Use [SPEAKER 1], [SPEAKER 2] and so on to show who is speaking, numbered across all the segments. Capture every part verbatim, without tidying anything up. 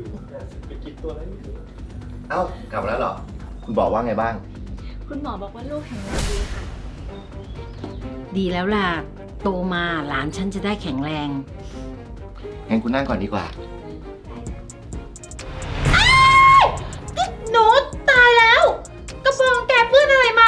[SPEAKER 1] ไปกินตัวนั้น
[SPEAKER 2] เอ้ากลับมาแล้วเหรอ คุณบอกว่าไงบ้าง
[SPEAKER 3] คุณหมอบอกว่าลูกแข็งแรงดีค่ะ
[SPEAKER 4] ดีแล้วล่ะ โตมาหลานฉันจะได้แข็งแรง
[SPEAKER 2] งั้นคุณนั่งก่อนดีกว่า
[SPEAKER 4] หนูตายแล้ว กระโปรงแกเปื้อนอะไรมา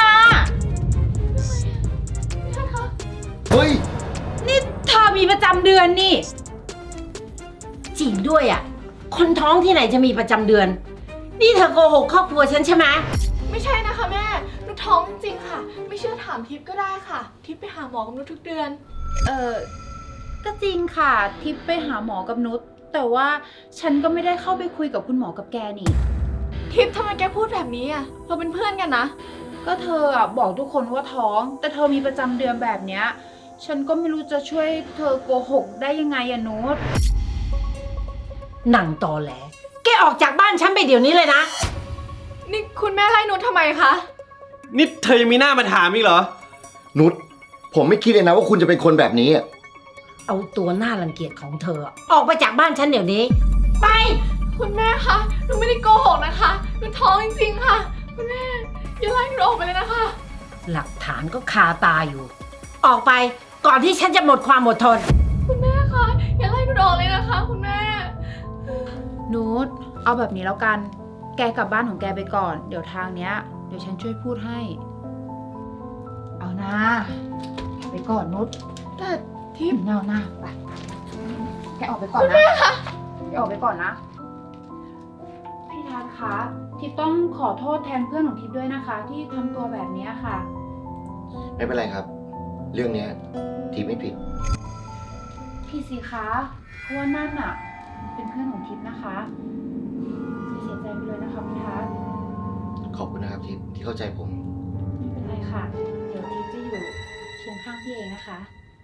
[SPEAKER 2] เฮ้ย
[SPEAKER 4] นี่เธอมีประจำเดือนนี่ จริงด้วยอ่ะ คนท้องที่ไหนจะมีประจำเดือน นี่เธอโกหกครอบครัวฉันใช่ไหม
[SPEAKER 3] ไม่ใช่นะคะแม่หนูท้องจริงๆค่ะ ไม่เชื่อถามทิพย์ก็ได้ค่ะ ทิพย์ไปหาหมอกับหนูทุกเดือน
[SPEAKER 5] เออก็จริงค่ะทิพย์ไปหาหมอกับนุชแต่ว่าฉันก็ไม่ได้เข้าไปคุยกับคุณหมอกับแกนี่
[SPEAKER 3] ทิพย์ทำไมแกพูดแบบนี้อ่ะ เราเป็นเพื่อนกันนะ
[SPEAKER 5] ก็เธออะบอกทุกคนว่าท้อง แต่เธอมีประจำเดือนแบบเนี้ยฉันก็ไม่รู้จะช่วยเธอโกหกได้ยังไงอะนุช
[SPEAKER 4] หนังตอแหล แกออกจากบ้านฉันไปเดี๋ยวนี้เลยนะ
[SPEAKER 3] นี่คุณแม่ไล่หนูทำไมคะ
[SPEAKER 1] นี่เธอยังมีหน้ามาถามอีกเหรอ
[SPEAKER 2] นุช ผมไม่คิดเลยนะว่าคุณจะเป็นคนแบบนี้อะ
[SPEAKER 4] เอาตัวหน้ารังเกียจของเธอ ออกไปจากบ้านฉันเดี๋ยวนี้ ไป
[SPEAKER 3] คุณแม่คะ หนูไม่ได้โกหกนะคะ หนูท้องจริงๆค่ะ คุณแม่อย่าไล่หนูออกไปเลยนะคะ
[SPEAKER 4] หลักฐานก็คาตาอยู่ ออกไปก่อนที่ฉันจะหมดความอดทน
[SPEAKER 3] คุณแม่คะอย่าไล่หนูออกเลยนะคะ คุณแม่
[SPEAKER 5] นุชเอาแบบนี้แล้วกัน แกกลับบ้านของแกไปก่อน เดี๋ยวทางเนี้ยเดี๋ยวฉันช่วยพูดให้ เอานะไปก่อนนุช
[SPEAKER 3] แต่ทิพย์
[SPEAKER 5] เงาหน้าไปแกออกไปก่อนนะแกออกไปก่อนนะ พี่ทัศน์คะทิพย์ต้องขอโทษแทนเพื่อนของทิพย์ด้วยนะคะ ที่ทำตัวแบบนี้ค่ะ
[SPEAKER 2] ไม่เป็นไรครับ เรื่องเนี้ยทีไม่ผิด
[SPEAKER 5] พี่สิคะเพราะว่านั่นอ่ะเป็นเพื่อนของทิพย์นะคะเสียใจไปเลยนะคะพี่ทัศน์
[SPEAKER 2] ขอบคุณนะครับทีที่เข้าใจผม
[SPEAKER 5] ไม่เป็นไรค่ะ เดี๋ยวทิพย์จะอยู่เคียงข้างพี่เองนะคะ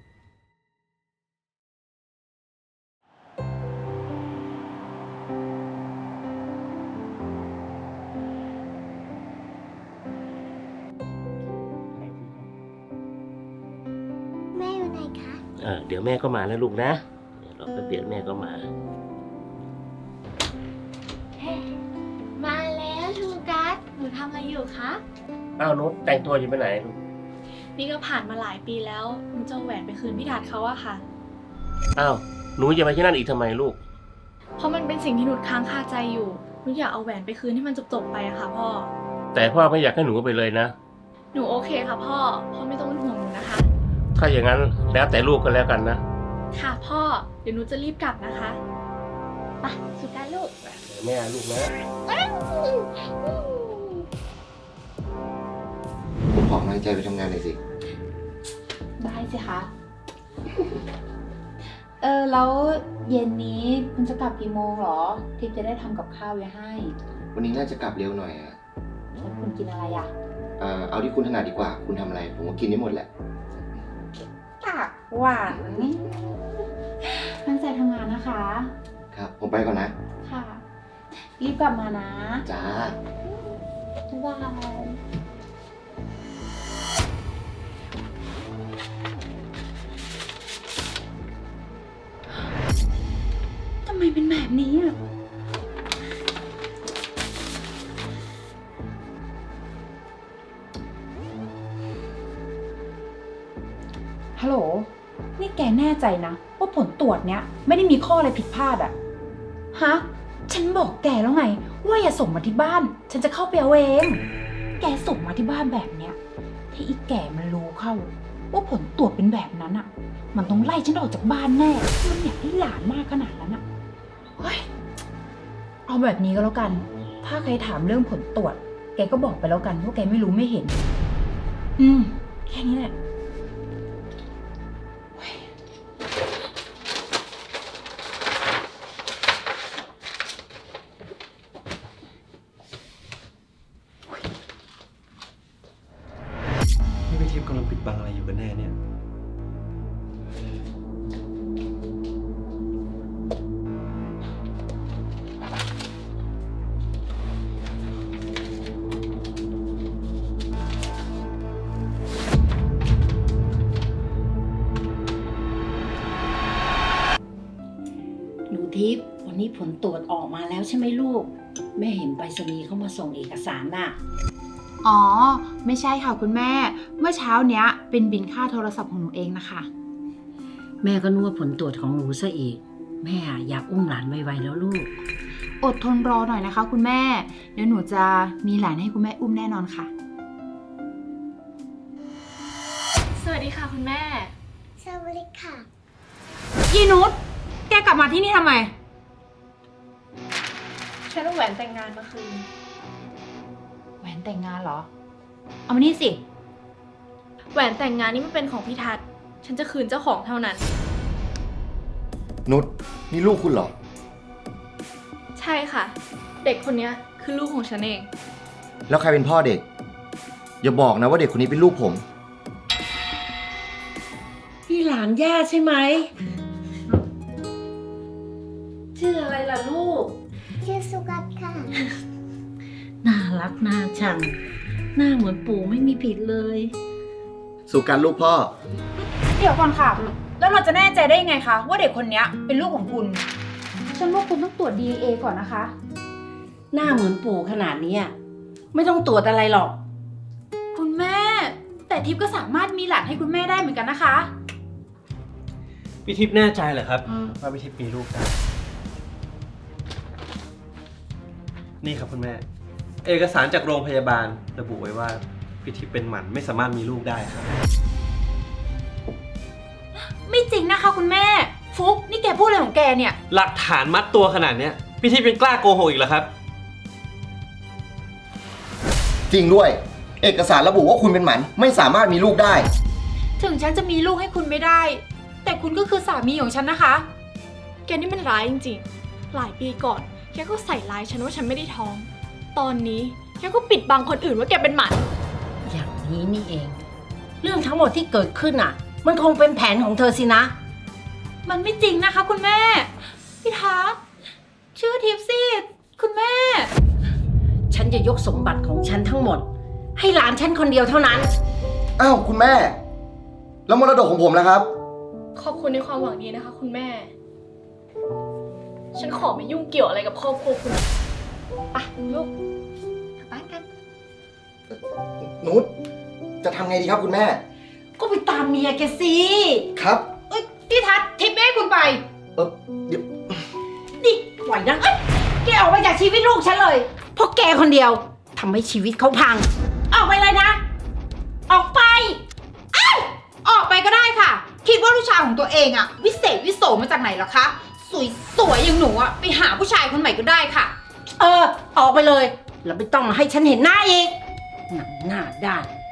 [SPEAKER 6] แม่อยู่ไหนคะ
[SPEAKER 7] เออเดี๋ยวแม่ก็มาแล้วลูกนะเดี๋ยวรอแป๊บเดียวแม่ก็มา
[SPEAKER 3] มาแล้วชูกัสหนูทำอะไรอยู่คะ
[SPEAKER 7] อ้าวนุชแต่งตัวอยู่ไปไหนลูก
[SPEAKER 3] นี่ก็ผ่านมาหลายปีแล้วหนูจะเอาแหวนไปคืนพี่ทัศน์เขาอะค่ะ
[SPEAKER 7] อ้าวหนูจะไปที่นั่นอีกทำไมลูก
[SPEAKER 3] เพราะมันเป็นสิ่งที่หนูค้างคาใจอยู่หนูอยากเอาแหวนไปคืนให้มันจบๆไปอะค่ะพ่อ
[SPEAKER 7] แต่พ่อไม่อยากให้หนูไปเลยนะ
[SPEAKER 3] หนูโอเคค่ะพ่อ พ่อไม่ต้องเป็นห่วงหนูนะคะ
[SPEAKER 7] ถ้าอย่างนั้นแล้วแต่ลูกก็แล้วกันนะ
[SPEAKER 3] ค่ะพ่อ เดี๋ยวหนูจะรีบกลับนะคะไปสุดการลูก
[SPEAKER 7] เดี๋ยวแม่ลูกนะ
[SPEAKER 2] ผมขอกำลังใจไปทำงานหน่อยสิ
[SPEAKER 5] ได้สิคะ เออแล้วเย็นนี้คุณจะกลับกี่โมงเหรอ ทิพย์จะได้ทำกับข้าวไว้ให้
[SPEAKER 2] วันนี้น่าจะกลับเร็วหน่อยอะ
[SPEAKER 5] แล้วคุณกินอะไรอ่ะ
[SPEAKER 2] เอ่อเอาที่คุณถนัดดีกว่า คุณทำอะไร ผมก็กินได้หมดแหละ
[SPEAKER 5] ปากหวานตั้งใจทำงานนะคะ
[SPEAKER 2] ครับ ผมไปก่อนนะ
[SPEAKER 5] ค่ะ รีบกลับมานะ
[SPEAKER 2] จ้า
[SPEAKER 5] บ๊ายบาย ทำไมเป็นแบบนี้อ่ะ ฮัลโหล นี่แกแน่ใจนะ ว่าผลตรวจเนี้ยไม่ได้มีข้ออะไรผิดพลาดอะฮะ ฉันบอกแกแล้วไง ว่าอย่าส่งมาที่บ้าน ฉันจะเข้าไปเอาเอง แกส่งมาที่บ้านแบบเนี้ย ถ้าอีแก่มันรู้เข้า ว่าผลตรวจเป็นแบบนั้นอะมันต้องไล่ฉันออกจากบ้านแน่ มันอยากได้หลานมากขนาดนั้นอะเฮ้ย เอาแบบนี้ก็แล้วกัน ถ้าใครถามเรื่องผลตรวจ แกก็บอกไปแล้วกันว่าแกไม่รู้ไม่เห็น อืม แค่นี้แหละ
[SPEAKER 1] นี่พี่ทิพย์กำลังปิดบังอะไรอยู่กันแน่เนี่ย
[SPEAKER 4] หนูทิพย์วันนี้ผผลตรวจออกมาแล้วใช่ไหมลูก แม่เห็นไปรษณีย์เขามาส่งเอกสารน่ะ
[SPEAKER 5] อ๋อ ไม่ใช่ค่ะคุณแม่ เมื่อเช้าเนี้ยเป็นบินค่าโทรศัพท์ของหนูเองนะคะ
[SPEAKER 4] แม่ก็นึกว่าผลตรวจของหนูซะอีก แม่อยากอุ้มหลานไวๆแล้วลูก
[SPEAKER 5] อดทนรอหน่อยนะคะ คุณแม่ เดี๋ยวหนูจะมีหลานให้คุณแม่อุ้มแน่นอนค่ะ
[SPEAKER 3] สวัสดีค่ะคุณแม่
[SPEAKER 6] สวัสดีค่ะ
[SPEAKER 5] ยีนุชแกกลับมาที่นี่ทำไม
[SPEAKER 3] ฉันเอาแหวนแต่งงานมาคืน
[SPEAKER 5] แหวนแต่งงานเหรอ เอามานี่สิ
[SPEAKER 3] แหวนแต่งงานนี่มันเป็นของพี่ทัศน์ฉันจะคืนเจ้าของเท่านั้น
[SPEAKER 2] นุชนี่ลูกคุณเหรอ
[SPEAKER 3] ใช่ค่ะ เด็กคนนี้คือลูกของฉันเอง
[SPEAKER 2] แล้วใครเป็นพ่อเด็ก อย่าบอกนะว่าเด็กคนนี้เป็นลูกผม
[SPEAKER 4] พี่หลานย่าใช่ไหม ชื่ออะไรล่ะลูก
[SPEAKER 6] ชื่อสุกัสค่ะ
[SPEAKER 4] น่ารักน่าชัง หน้าเหมือนปู่ไม่มีผิดเลย
[SPEAKER 2] สุการลูกพ่อ
[SPEAKER 5] เดี๋ยวก่อนค่ะ แล้วเราจะแน่ใจได้ยังไงคะว่าเด็กคนเนี้ยเป็นลูกของคุณ ฉันว่าคุณต้องตรวจ ดี เอ็น เอ ก่อนนะคะ
[SPEAKER 4] หน้าเหมือนปู่ขนาดเนี้ยไม่ต้องตรวจอะไรหรอก
[SPEAKER 5] คุณแม่ แต่ทิพย์ก็สามารถมีหลานให้คุณแม่ได้เหมือนกันนะคะ
[SPEAKER 1] พี่ทิพย์แน่ใจเหรอครับว่าพี่ทิพย์มีลูกได้ นี่ครับคุณแม่ เอกสารจากโรงพยาบาลระบุไว้ว่าพี่ทิพย์เป็นหมันไม่สามารถมีลูกได้ครับ
[SPEAKER 5] ไม่จริงนะคะคุณแม่ ฟุกนี่แกพูดอะไรของแกเนี่ย
[SPEAKER 1] หลักฐานมัดตัวขนาดเนี้ยพี่ทิพย์ยังกล้าโกหกอีกเหรอครับ
[SPEAKER 2] จริงด้วย เอกสารระบุว่าคุณเป็นหมันไม่สามารถมีลูกได้
[SPEAKER 5] ถึงฉันจะมีลูกให้คุณไม่ได้ แต่คุณก็คือสามีของฉันนะคะ
[SPEAKER 3] แกนี่มันร้ายจริงๆ หลายปีก่อน แกก็ใส่ร้ายฉันว่าฉันไม่ได้ท้อง ตอนนี้แกก็ปิดบังคนอื่นว่าแกเป็นหมัน
[SPEAKER 4] อย่างนี้นี่เอง เรื่องทั้งหมดที่เกิดขึ้นอ่ะ มันคงเป็นแผนของเธอสินะ
[SPEAKER 5] มันไม่จริงนะคะคุณแม่ พี่ทัศน์ชื่อทิพย์สิคุณแม่
[SPEAKER 4] ฉันจะยกสมบัติของฉันทั้งหมด ให้หลานฉันคนเดียวเท่านั้น
[SPEAKER 2] อ้าวคุณแม่ แล้วมรดกของผมนะครับ
[SPEAKER 3] ขอบคุณในความหวังดีนะคะ คุณแม่ ฉันขอไม่ยุ่งเกี่ยวอะไรกับครอบครัวคุณไปลูกกลับบ้านกัน
[SPEAKER 2] นุชจะทำไงดีครับคุณแม่
[SPEAKER 4] ก็ไปตามเมียแกสิ
[SPEAKER 2] ครับ
[SPEAKER 5] เอ้ยพี่ทัศน์ทิพย์ไม่ให้คุณไป
[SPEAKER 2] เออเดี๋ยว
[SPEAKER 4] นี่ไหวนะเอ้ยแกออกไปจากชีวิตลูกฉันเลย เพราะแกคนเดียวทำให้ชีวิตเขาพัง ออกไปเลยนะ ออกไป
[SPEAKER 5] ออกไปก็ได้ค่ะ คิดว่าลูกชายของตัวเองอะวิเศษวิโสมาจากไหนเหรอคะ สวยสวยๆอย่างหนูอะไปหาผู้ชายคนใหม่ก็ได้ค่ะ
[SPEAKER 4] เออ ออกไปเลย แล้วไม่ต้องมาให้ฉันเห็นหน้าอีกหนังหน้าด้าน